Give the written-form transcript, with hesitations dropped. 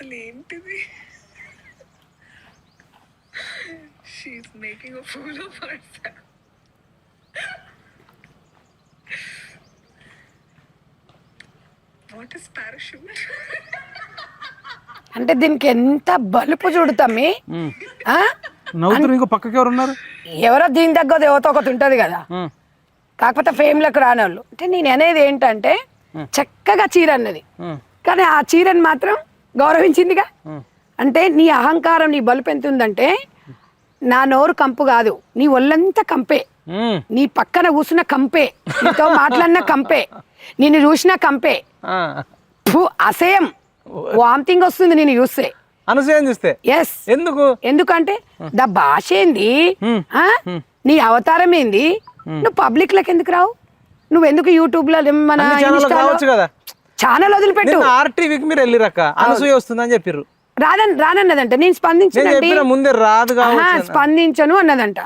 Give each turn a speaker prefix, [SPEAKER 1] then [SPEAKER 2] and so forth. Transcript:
[SPEAKER 1] అసలు ఏంటిది? She is making a fool of herself. What is parachute?
[SPEAKER 2] అంటే దీనికి ఎంత బలుపు చూడుతామి.
[SPEAKER 3] నవ్వుతున్నారు. ఇంకో పక్కకి ఎవరు ఉన్నారు?
[SPEAKER 2] ఎవరో దీని దగ్గర దేవత ఒకటి ఉంటది కదా, కాకపోతే ఫేమ్లకు రానోళ్ళు. అంటే నేను అనేది ఏంటంటే చక్కగా చీర అన్నది, కానీ ఆ చీరని మాత్రం గౌరవించిందిగా. అంటే నీ అహంకారం, నీ బలుపు ఎంత ఉందంటే, నా నోరు కంపు కాదు, నీ ఒళ్ళంతా కంపే, నీ పక్కన కూర్చున్న కంపే, నీతో మాట్లాడిన కంపే, నిన్ను చూసిన కంపే. అసేయం వామిటింగ్ వస్తుంది నేను చూస్తే,
[SPEAKER 3] అనసూయం చూస్తే.
[SPEAKER 2] ఎస్.
[SPEAKER 3] ఎందుకు?
[SPEAKER 2] ఎందుకంటే దా భాష ఏంది, నీ అవతారం ఏంది, నువ్వు పబ్లిక్ లకి ఎందుకు రావు? నువ్వు ఎందుకు యూట్యూబ్ లో మన ఛానల్ వదిలిపెట్టు.
[SPEAKER 3] ఆర్టీవీకి మీరు వెళ్ళిరక్క, అనసూయ వస్తుందని చెప్పారు.
[SPEAKER 2] రానన్నదంట. నేను స్పందించను
[SPEAKER 3] ముందే రాదు,
[SPEAKER 2] స్పందించను అన్నదంట.